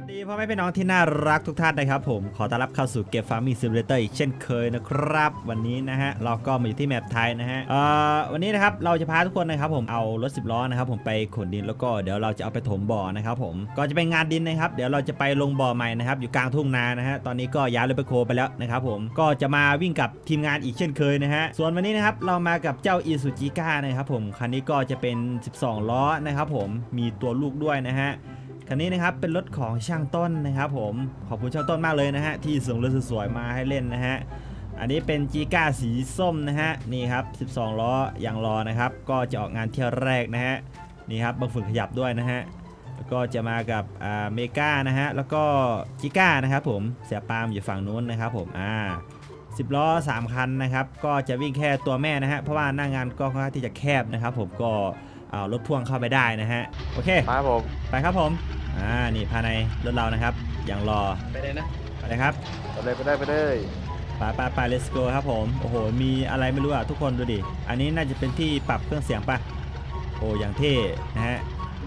สวัสดีพ่อแม่พี่น้องที่น่ารักทุกท่านนะครับผมขอต้อนรับเข้าสู่เกม Farming Simulator อีกเช่นเคยนะครับวันนี้นะฮะเราก็มาอยู่ที่แมปไทยนะฮะวันนี้นะครับเราจะพาทุกคนนะครับผมเอารถ10 ล้อนะครับผมไปขนดินแล้วก็เดี๋ยวเราจะเอาไปถมบ่อนะครับผมก็จะเป็นงานดินนะครับเดี๋ยวเราจะไปลงบ่อใหม่นะครับอยู่กลางทุ่งนานะฮะตอนนี้ก็ย้ายรถไปโคไปแล้วนะครับผมก็จะมาวิ่งกับทีมงานอีกเช่นเคยนะฮะส่วนวันนี้นะครับเรามากับเจ้าอีซูจิก้านะครับผมคันนี้ก็จะเป็น12 ล้อนะครับผมมีตัวลูกด้วยนะฮะคันนี้นะครับเป็นรถของช่างต้นนะครับผมขอบคุณช่างต้นมากเลยนะฮะที่ส่งรถสวยๆมาให้เล่นนะฮะอันนี้เป็นจีก้าสีส้มนะฮะนี่ครับ12 ล้อยางรอนะครับก็จะออกงานเที่ยวแรกนะฮะนี่ครับบางฝุ่นขยับด้วยนะฮะแล้วก็จะมากับเมกานะฮะแล้วก็จีก้านะครับผมเสียปาล์มอยู่ฝั่งนู้นนะครับผม10 ล้อ3 คันนะครับก็จะวิ่งแค่ตัวแม่นะฮะเพราะว่าหน้างานก็ค่อนข้างที่จะแคบนะครับผมก็เอารถพ่วงเข้าไปได้นะฮะโอเคครับผมไปครับผมนี่ภายในรถเรานะครับอย่างรอไปเลยนะไปเลยครับไปเลยไป let's go ครับผมโอ้โหมีอะไรไม่รู้อ่ะทุกคนดูดิอันนี้น่าจะเป็นที่ปรับเครื่องเสียงป่ะโอ้อย่างเท่นะฮะ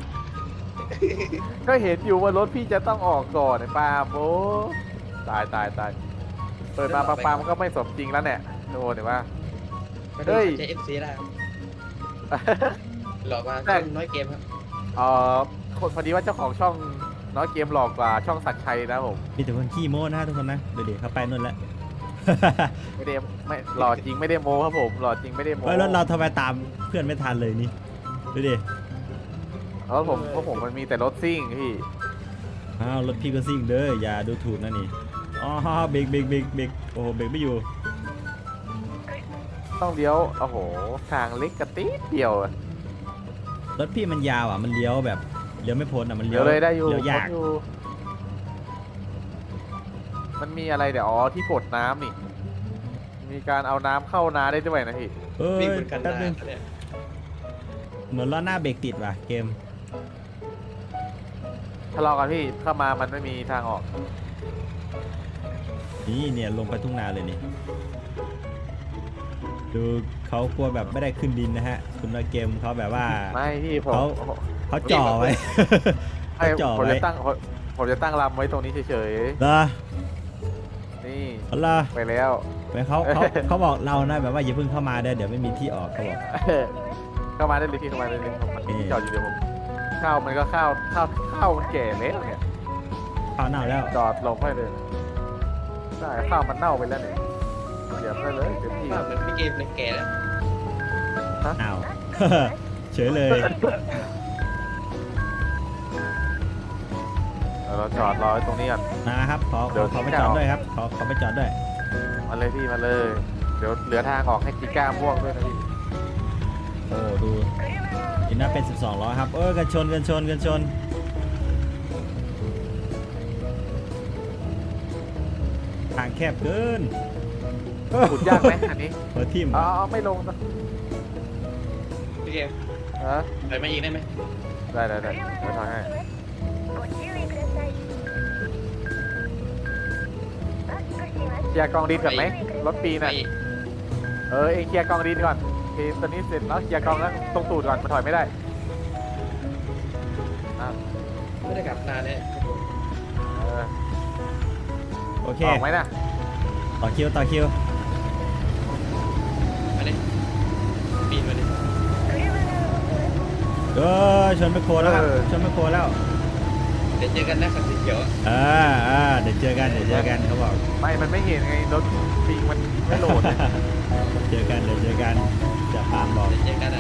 ก็เห็นอยู่ว่ารถพี่จะต้องออกก่อนไอ้ปาล์มโอ้ตายเปิดมาปาล์มก็ไม่สมจริงแล้วเนี่ยโดนเห็นปะเฮ้ยจะ FC ได้ครับหลอกมาช่องน้อยเกมครับคนพอดีว่าเจ้าของช่องน้อยเกมหลอกกว่าช่องศักดิ์ชัยนะผมมีแต่คนขี้โม้นะทุกคนนะเดี๋ยวเขาไปนู่นแล้วไม่หล่อจริงไม่ได้โม้ครับผมหล่อจริงไม่ได้โม้รถเราทำไมตามเพื่อนไม่ทันเลยนี่ดูดิแล้วผมมันมีแต่รถซิ่งพี่รถพี่ก็ซิ่งเด้ออย่าดูถูกนะนี่อ๋อเบรกโอ้โหเบรกไม่อยู่ต้องเลี้ยวโอ้โหทางเล็กกระติ๊ดเดียวรถพี่มันยาวอ่ะมันเลี้ยวแบบเลี้ยวไม่พ้นอ่ะมันเลี้ยวเลยได้อยู่เลี้ยวยากมันมีอะไรเดี๋ยวที่กดน้ำนี่มีการเอาน้ำเข้านาได้ด้วยนะพี่วิ่งบนกันนาเนี่ยเหมือนล้อหน้าเบรกติดว่ะเกมทะเลาะกันพี่เข้ามามันไม่มีทางออกนี่เนี่ยลงไปทุ่งนาเลยนี่ดูเขากลัวแบบไม่ได้ขึ้นดินนะฮะคุณน้อยเกมเขาแบบว่าไม่พี่เขาจ่อไว้ผมจะตั้งลำไว้ตรงนี้เฉยๆนี่ไปแล้วไปเขาบอกเรานะแบบว่าอย่าเพิ่งเข้ามาได้เดี๋ยวไม่มีที่ออกเขาบอกเข้ามาได้เลยพี่เข้ามาได้เลยผมจอดอยู่เดี๋ยวผมข้าวมันก็ข้าวมันแก่แล้วเนี่ยข้าวเน่าแล้วจอดลงให้เลยใช่ข้าวมันเน่าไปแล้วเนี่ยเดี๋ยวได้เลยเต็มที่เหมือนพี่เกมเลยแก่แล้วอ้าวเฉยเลยเราจอดรอตรงนี้ก่อนนะครับขอไปจอดด้วยครับขอไปจอดด้วยมาเลยพี่มาเลยเดี๋ยวเหลือทางออกให้จีก้าม่วงด้วยนะพี่โอ้ดูอินน่าเป็น12 ล้อครับกันชนทางแคบเกินขุดยากไหมอันนี้ทิ่มไม่ลงนะพี่เกมไปมาอีกได้ไหมได้เดี๋ยวทำให้เคลียร์กองดินก่อนไหมรถปีน่ะเองเคลียร์กองดินก่อนตอนนี้เสร็จแล้วเคลียร์กองแล้วตรงตูดก่อนมันถอยไม่ได้ไม่ได้กลับนานเนี่ยโอเคออกไหมนะต่อคิวมาดิปีนมาดิชนไปโคแล้วครับชนไปโคแล้วเดี๋ยวเจอกันนะคันสีเขียวเดี๋ยวเจอกันเขาบอกมันไม่เห็นไงรถปีมันไม่โหลดเจอกันจะตามบอกเดี๋ยวเจอกัน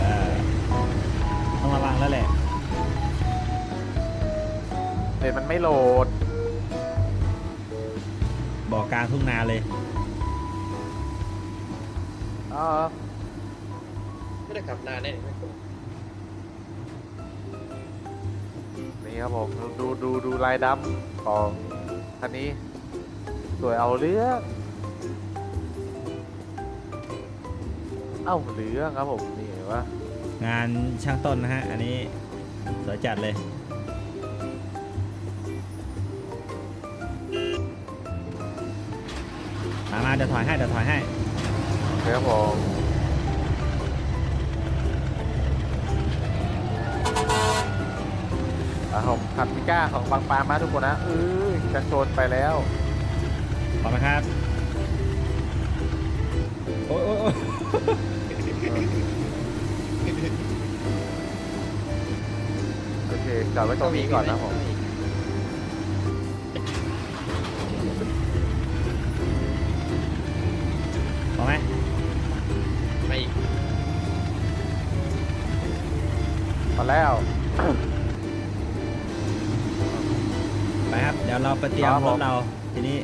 ต้องระวังแล้วแหละมันไม่โหลดบอกกลางทุ่งนาเลยไม่ได้ขับนานเนี่ยนี่ครับผมดูลายดำของคันนี้สวยเอาเรื่องครับผมนี่เห็นว่างานช่างต้นนะฮะอันนี้สวยจัดเลยมาเดี๋ยวถอยให้ครับผมผมขับมิก้าของบางปามาทุกคนนะจะโจนไปแล้วพร้อมไหมครับโอ้ยโอ้ยโอ้ยโอเคจอดไว้ตรงนี้ก่อนนะผมพร้อมไหมไม่มาแล้วไปครับ เดี๋ยวเราไปเตรียมครับรผถมเราทีนี้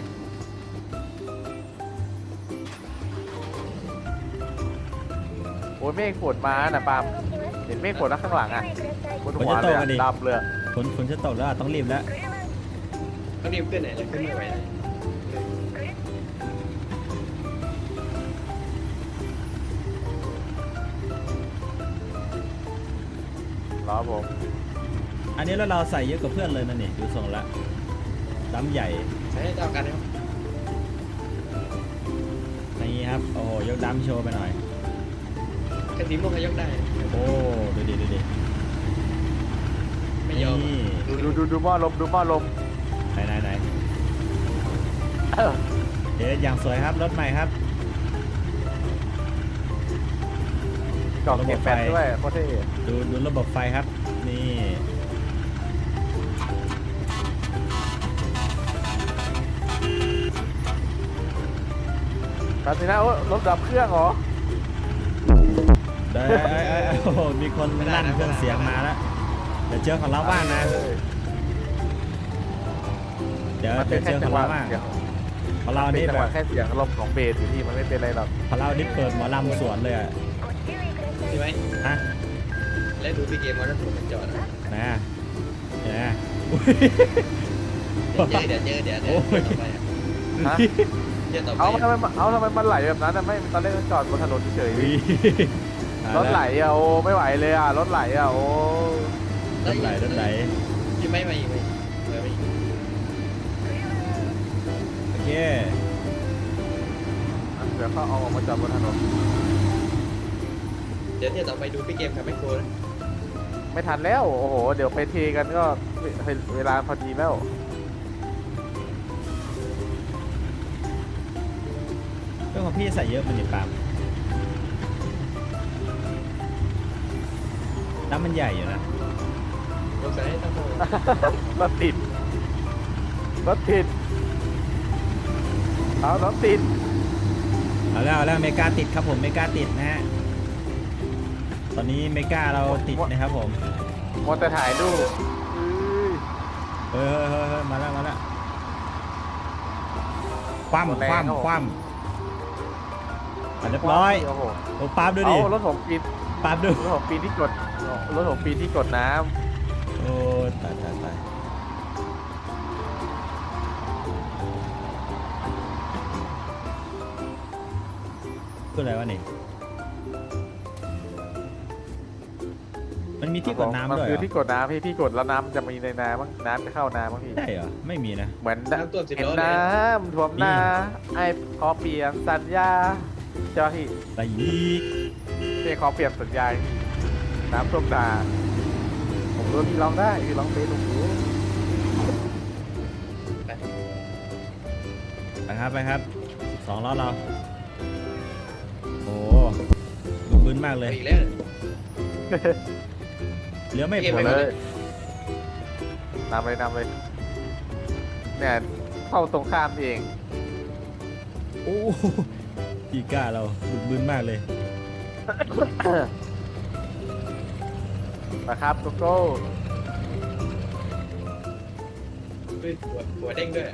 โอ้ยเมฆฝนมาน่ะปาล์มเห็นเมฆฝนนะข้างหลังอ่ะบนหัวเลยอะดำเลยฝนจะตกแล้วอะต้องรีบแล้วต้องรีบขึ้นไหนจะขึ้นไม่ไหวเลยรอผมอันนี้รถเราใส่เยอะกว่าเพื่อนเลยนะนี่ดูทรงละดำใหญ่ใช้ให้เท่ากันนะครับนี่ครับโอ้โหยกดำโชว์ไปหน่อยกระสีม่วงขยกได้โอ้ดูดิดูดิไม่ยอมนี่ดูหม้อลมดูหม้อลมไหนเดี๋ยวอย่างสวยครับรถใหม่ครับกล่องเก็บแฟนด้วยโคตรเท่ดูระบบไฟครับนี่แบบนี้นะโอ้รถดับเครื่องเหรอได้โอ้โหมีคนลั่นเครื่องเสียงมาแล้วเดี๋ยวเจอของเราบ้างนะเดี๋ยวมันเป็นเจแค่อขจัองงหวะเราบ้างเสียงของเราเป็นนี่จังแบหวะบแค่เสียงลมของเบสอยู่ที่มันไม่เป็นไรหรอกของเรานี่เปิดหมอลำสวนเลยอะใช่ไหมฮะแล้วดูพี่เกมมอเตอร์ถูกมันจอดนะนะเนี่ยอุ๊ยเดี๋ยวต่อไปฮะเดี๋ยวต่อไปเอาทำไมมันไหลแบบนั้นนะไม่ตอนแรกมันจอดบนถนนเฉยอุ๊ยๆรถไหลอ่ะโอ้ไม่ไหวเลยอ่ะรถไหลอ่ะโอ้รถไหลที่ไม่มาอีกไหมไม่อีกโอเคเดี๋ยวเขาเอาออกมาจอดบนถนนเดี๋ยวต่อไปดูพี่เกมกับแมคโครนะไม่ทันแล้วโอ้โหเดี๋ยวไปเทกันก็เวลาพอดีแล้วเรื่องของพี่ใส่เยอะมันนี่ปาล์มน้ำมันใหญ่อยู่นะลงใส่ให้ทั้งหมดรถติดเอารถติดเอาแล้วเมกาติดครับผมเมกาติดนะฮะตอนนี้เมกาเราติดนะครับผมมอเตอร์ถ่ายรูปเฮ้ยมาแล้วคว่ำอ่ะเรียบร้อยโอ้โหโอ้ปาล์มดูดิเอารถผมปีนปาล์มดูรถผมปีนที่กดน้โอ้ตายคืออะไรวะนี่มันมีำที่กดน้ำมันด้วยคือเหรอที่กดน้ำที่กดแล้วน้ำจะมีในน้ำมั้งน้ำจะเข้าน้ำมั้งพี่ใช่เหรอไม่มีนะเหมือนน้ำท่วม10 เห็นล้อเลยน้ำท่วมนาไอ้ขอเปลี่ยนสัญญาเจ้าที่แต่ยีกพี่ขอเปลี่ยนสัญญาน้ำท่วมนาผมรู้พี่ร้องได้พี่ร้องเพลงถูกรู้ไปครับ2ล้อเราโอ้บึ้นมากเลยอีกแล้วเหลือไม่เก็บพไว้อก่อนเลยนำเลยเนี่ยเข้าตรงข้ามเองโอ้ปีก้าเราบึ้นมากเลยนะครับโกโก้หัวเด้งด้วย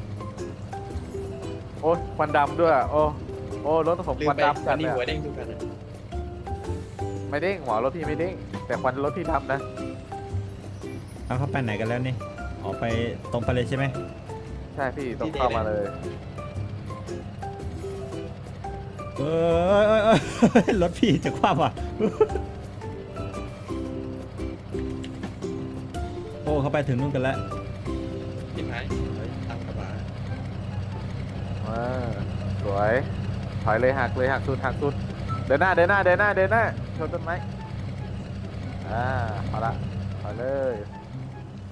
โอ้ยควันดำด้วยโอ้รถผมลืคมวันไปดำตจัอดนนี้เลยหัวเด้งทุกคันนะไม่เด้งหมอรถพี่ไม่เด้งแต่ควันรถพี่ดำนะเอาเข้าไปไหนกันแล้วนี่ออกไปตรงไปเลยใช่ไหมใช่พี่ต้องเข้ามาเลยเออรถพี่จะคว่ำว่ะโอ้เขาไปถึงนู่นกันแล้วทิพหายตามกระบะสวยถอยเลยหักสุดเดินหน้าชนต้นไม้เอาละถอยเลย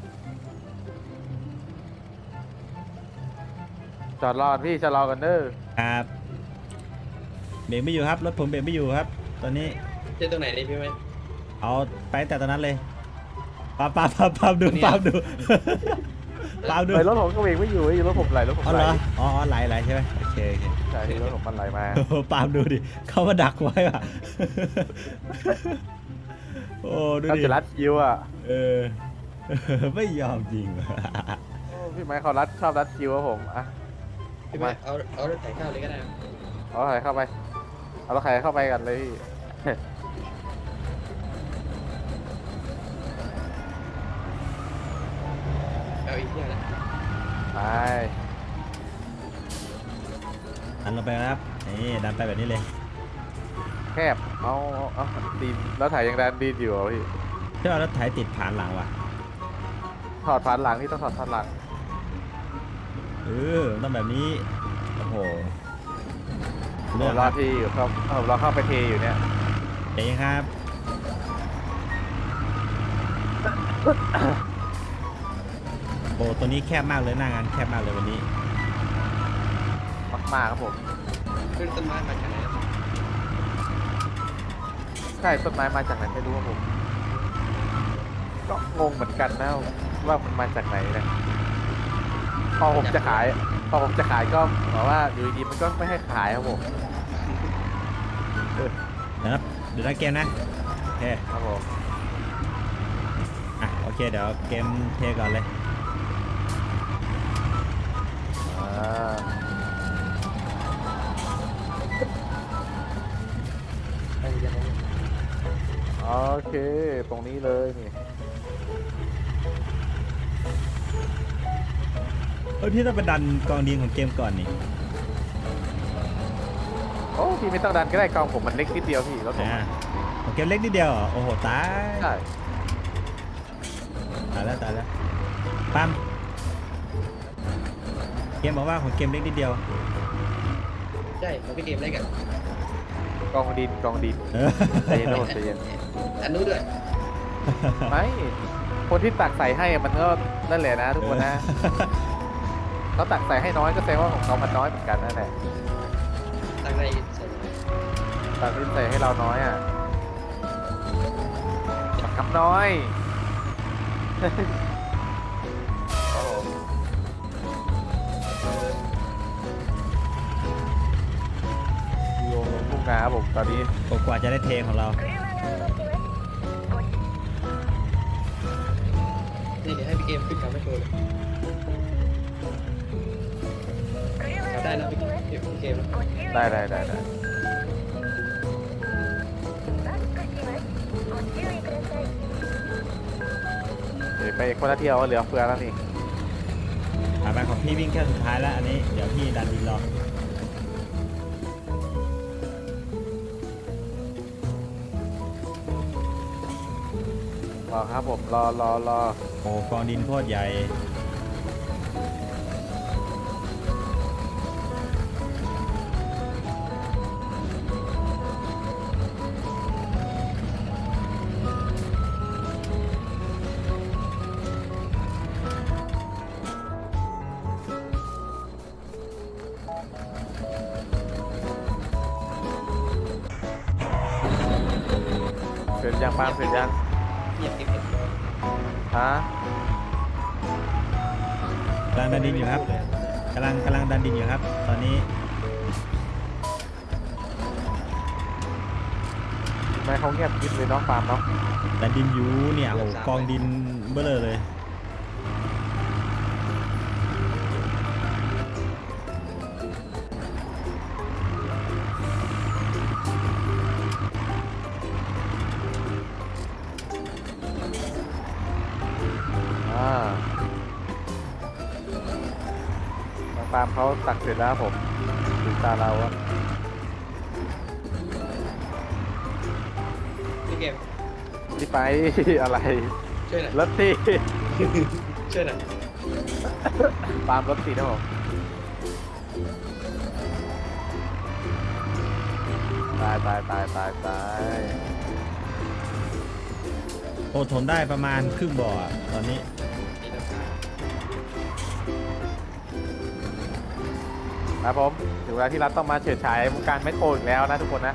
จอดรอพี่จะรอกันเด้อครับเบรกไม่อยู่ครับรถผมเบรกไม่อยู่ครับ ตอนนี้เจอตรงไหนนี่พี่ไหมเอาไปแต่ตอนนั้นเลยปาบดูปาบดูปาบดูไหลรถผมก็เบรกไม่อยู่รถผมไหลรถผมอ๋อไหเหลรออ๋อไหลใช่ไหมโอเคใช่รถผมมันไหลมาโอ้โหปาบดูดิเขามาดักไว้ว่ะโอ้ดูเขาดิจะรัดคิวอ่ะเออไม่ยอมจริงว่ะโอ้พี่ไม้เขาชอบรัดคิวครับผมอ่ะพี่ไหมเอารถไถข้าวเลยก็ได้เอาใครเข้าไปเอาใครเข้าไปกันเลยพี่เอาอีกอย่างนะไปดันลงไปครับนี่ดันไปแบบนี้เลยแคบเอาดีนแล้วถ่ายยังแดนดีนอยู่เหรอพี่เชื่อว่ารถไถติดผ่านหลังว่ะถอดผ่านหลังพี่ต้องถอดผ่านหลังเออต้องแบบนี้โอ้โหผมเลือกรคอรับที่อยู่ครับผมรอเข้าไปเทอยู่เนี่ยเจ๊ครับโอ้ตัวนี้แคบมากเลยหน้างานแคบมากเลยวันนี้มากๆครับผมขึ้นต้นไม้มาจากไหนใช่ต้นไม้มาจากไหนไม่รู้ครับผมก็งงเหมือนกันนะว่ามันมาจากไหนนะพอผมจะขายก็บอกว่าอยู่ดีๆมันก็ไม่ให้ขายครับผมเดี๋ยวนะเดี๋ยวนะเกมนะโอเคครับผมอ่ะโอเคเดี๋ยวเกมเทก่อนเลยอ่าไปยังไงโอเคตรงนี้เลยนี่เฮ้ยพี่ต้องไปดันกองดินของเกมก่อนนี่โอ้พี่ไม่ต้องดันก็ได้กองผมมันเล็กนิดเดียวพี่แล้วผมอ่าของเกมเล็กนิดเดียวเหรอโอ้โหตายใช่ตายแล้วปั๊มเกมบอกว่าของเกมเล็กนิดเดียวใช่ของพี่เกมเล็กอ่ะกองดินเออใจเย็นนะผมใจเย็นอันนู้นด้วยไม่คนที่ตักใส่ให้มันก็นั่นแหละนะทุกคนนะเขาตักใส่ให้น้อยก็แสดงว่าของเขามันน้อยเหมือนกันนั่นแหละตั้งในใส่ตักที่ใส่ให้เราน้อยอ่ะบักคำน้อย โอ้โหโยงลงทุ่งนาครับผมตอนนี้กว่าจะได้เทของเรานี่เดี๋ยวให้พี่เกมขึ้นกับไม่โชว์เลยได้นะพี่เกมได้ เดี๋ยวไปคนละเที่ยวเหลือเฟือแล้วนี่ไปของพี่วิ่งแค่สุดท้ายแล้วอันนี้เดี๋ยวพี่ดันดินรอรอครับผมรอโอ้กองดินโคตรใหญ่เสร็จยังปาล์มเสร็จยังเหยียบเก็บฮะกำลังดันดินอยู่ครับกำลังดันดินอยู่ครับ ตอนนี้ทำไมเขาเงียบกริบเลยเน้องปาล์มเนาะดันดินอยู่เนี่ยโอ้โหกองดินเบ้อเลยน้องปาล์มเขาตักเสร็จแล้วครับผมถึงตาเราอะพี่เกมที่ไป อะไรช่วยหน่อยรถติดช่วยหน่อยปาล์มรถติดนะผมตายโอ้ถมได้ประมาณครึ่งบ่ออะตอนนี้นี่น้ำตาครับผมถึงเวลาที่รัฐต้องมาเฉิดฉายวงการแมคโครอีกแล้วนะทุกคนนะ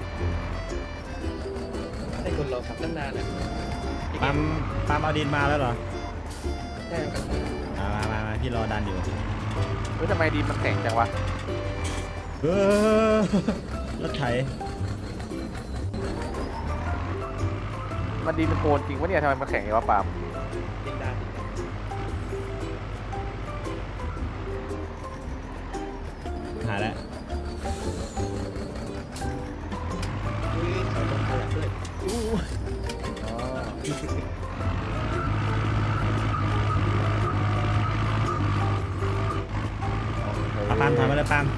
ให้คนรอขับตั้งนานอ่ะปั๊มเอาดินมาแล้วเหรอใช่ครับมาพี่รอดันอยู่เฮ้ยทำไมดีมันแข็งจังวะเออรถไถมันดีมันโกนจริงวะเนี่ยทำไมมันแข็งอย่างวะปาล์มดิงดาหาแล้วอุ้ยถอยลงพลังด้วยอ๋อเอาปั๊มถอยมาเลยปั๊ม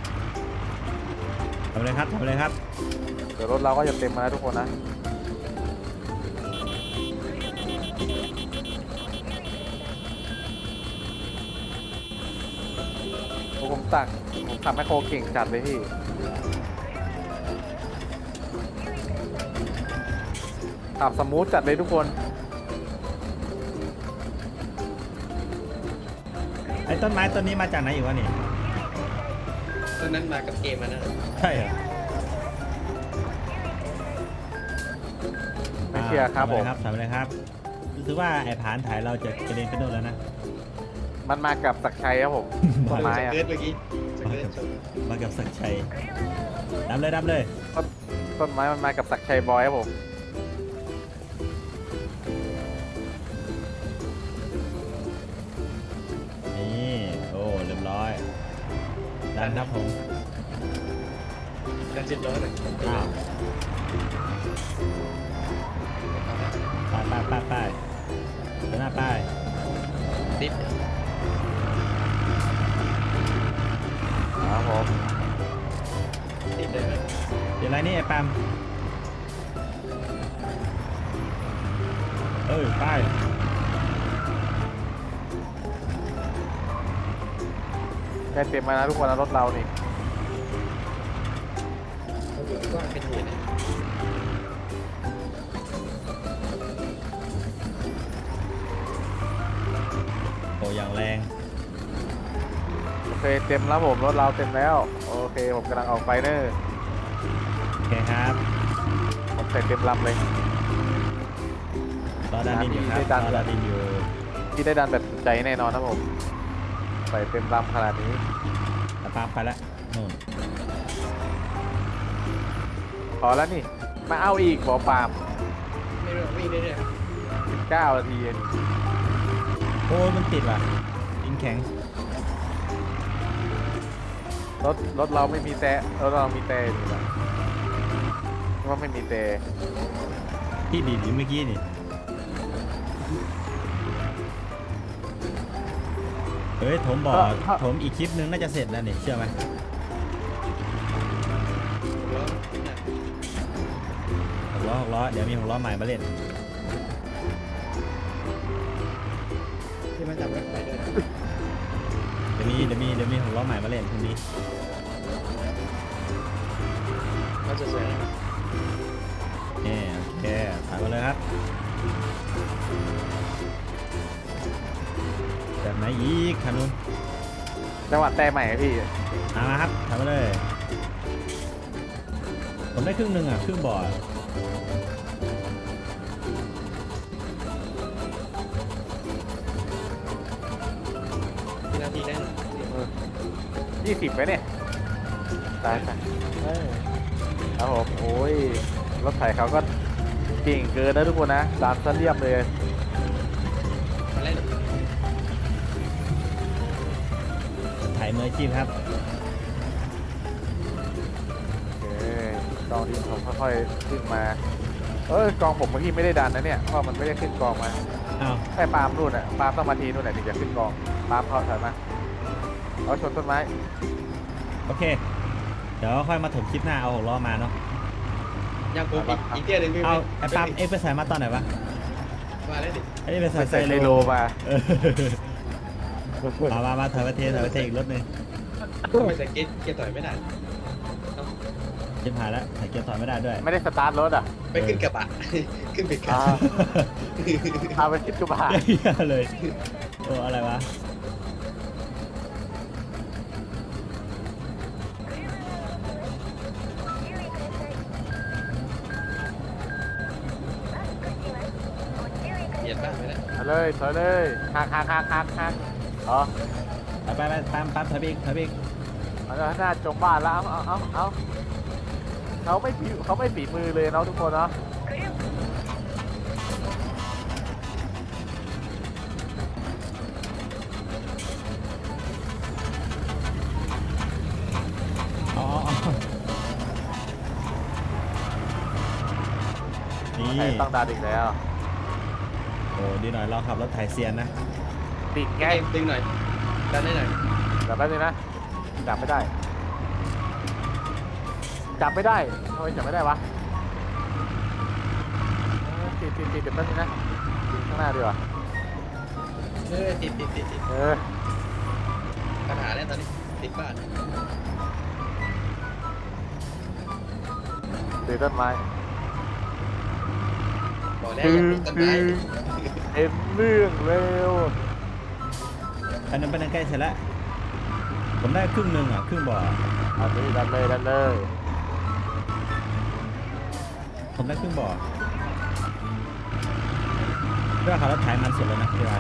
ทำเลยครับทำเลยครับเดี๋ยวรถเราก็จะเต็มมาแล้วทุกคนนะผมขับแมคโครเก่งจัดเลยพี่ขับสมูทจัดเลยทุกคนไอ้ต้นไม้ต้นนี้มาจากไหนอยู่วะนี่ตอนนั้นมากับเกมมานะใช่เหรอไม่เชื่อครับผมทำเลยครับรู้สึกว่าไอ้ผานถ่ายเราจะกระเด็นไปโน่นแล้วนะมันมากับศักดิ์ชัยครับผมต้นไม้อะเกิดเมื่อกี้สเกิดชนมากับศักดิ์ชัยดับเลยดับเลยต้นไม้มันมากับศักดิ์ชัยบอยครับผมนี่โอ้เรียบร้อยดันครับผมการเจ็ดร้อยหน่อยอ้าวไปเดินหน้าไปดิฟครับผมดิฟได้ไหมเดี๋ยวอะไรนี่ไอ้ปั๊มไปได้เต็มมาแล้วทุกคนนะรถเรานี่เขาบอกว่าเป็นหมื่นนะโอ้อย่างแรงโอเคเต็มแล้วผมรถเราเต็มแล้วโอเคผมกำลังออกไปเนอร์โอเคครับผมใส่เต็มลำเลยรอดันดินอยู่ครับได้ดันรอดันดินอยู่ที่ได้ดันแบบสุดใจแน่นอนครับผมใส่เต็มลำขนาดนี้ไอ้ปั๊มไปแล้วนู่นพอแล้วนี่มาเอาอีกบอปาล์มไม่รู้วิ่งเรื่อย 9 นาทีเองโอ้มันติดว่ะดินแข็งรถเราไม่มีแต่รถเรามีแต่นี่แหละว่าไม่มีแต่ที่ดีดอยู่เมื่อกี้นี่เฮ้ยถมบ่อถมอีกคลิปนึงน่าจะเสร็จแล้วนี่เชื่อไหมๆแล้วน่ะ 6 ล้อเดี๋ยวมี6 ล้อใหม่มาเล่นที่มันจับรถไฟด้วยนะเดี๋ยวมี6 ล้อใหม่มาเล่นพรุ่งนี้เขาจะสวยนะนี่โอเคถ่ายมาเลยครับแบบไหนอีกคันนู้นจังหวัดแต่ใหม่อะพี่มาครับถ่ายมาเลยผมได้ครึ่งหนึ่งอ่ะครึ่งบ่อที่นาทีแน่น 20ไหมเนี่ยตายไปครับผมโอ้ยรถไถเขาก็เก่งเกินนะทุกคนนะดานซะเรียบเลยมาเล่นถ่ายมืออาชีพครับโอเคกองดินผมค่อยๆขึ้นมากองผมเมื่อกี้ไม่ได้ดันนะเนี่ยเพราะมันไม่ได้ขึ้นกองมาอ้าวแค่ปาล์มนู่นอ่ะปาล์มต้องมาทีนู่นแหละถึงจะขึ้นกองปาล์มเขาถอยมาเอาชนต้นไม้โอเค เดี๋ยวค่อยมาถมคลิปหน้าเอา6 ล้อมาเนาะยังผมอีกเที่ยวหนึงพี่เอาไอ้ปั๊มเอ็กไปใส่มาตอนไหนวะมาแล้วดิไอ้นี่ไปใส่ไปใส่ไซโลมาเออมาถอยประเทศอีกรถหนึงทำไมใส่เกียร์ถอยไม่ได้ชิบหายแล้วใส่เกียร์ถอยไม่ได้ด้วยไม่ได้สตาร์ทรถอ่ะไปขึ้นกระบะ ขึ้นไปกระอ่าบะเอาไปคิดกระบะเหี้ยเลยโอ้อะไรวะบ้านไปแล้วเอาเลยถอยเลยหักอ๋อไปปั๊มถอยไปอีกเอาเลยหน้าจมบ้านแล้วเอาเขาไม่ฝีมือเลยเนาะทุกคนเนาะอ๋อนี่ใครต้องดาดิกแล้วโอ้ดีหน่อยเราขับรถไถเซียนนะติดแกไงดึงหน่อยดันได้หน่อยจับแป๊บนึงนะจับไม่ได้ทำไมจับไม่ได้วะติดแป๊บนึงนะติดข้างหน้าดีกว่าติด ปัญหาแล้วตอนนี้ติดบ้านติดต้นไม้บอกแล้วอย่าติดต้นไม้เอ็มเรื่องเร็วอันนั้นเป็นใกล้เสร็จแล้วผมได้ครึ่งหนึ่งอ่ะครึ่งบ่ออันนี้ดันเลยผมได้ครึ่งบ่อเรื่องขับรถไถมันสุดแล้วนะพี่วาน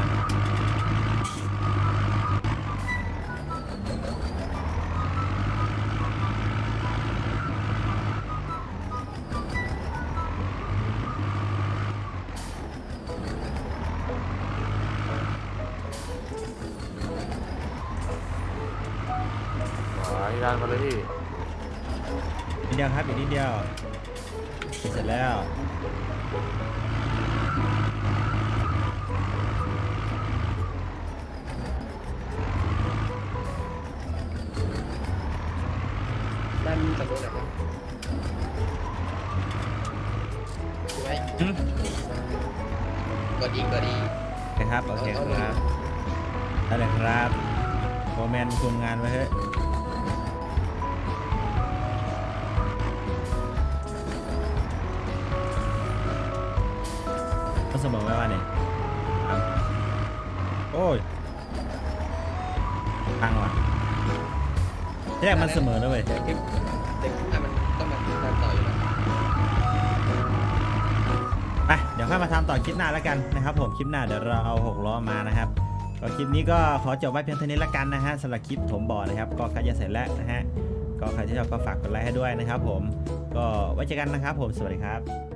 นี่ดันมาเลยพี่นิดเดียวครับอีกนิดเดียวเสร็จแล้วด้านตะลุไหนครับดูไว้อืมกดอีกโอเคครับได้เลยครับโมเมนต์คุมงานไว้เฮ้ยก็เสมอไว้ว่าเนี่ยโอ้ยพังว่ะที่แรกมันเสมอแล้วเว้ยเด็กมันต้องมาตามต่ออยู่แล้วไปเดี๋ยวค่อยมาทำต่อคลิปหน้าแล้วกันนะครับผมคลิปหน้าเดี๋ยวเราเอา6ล้อมานะครับก็คลิปนี้ก็ขอจบไว้เพียงเท่านี้แล้วกันนะฮะสำหรับคลิปถมบ่อนะครับก็ใครจะเสร็จแล้วนะฮะก็ใครที่ชอบก็ฝากกดไลค์ให้ด้วยนะครับผมก็ไว้เจอกันนะครับผมสวัสดีครับ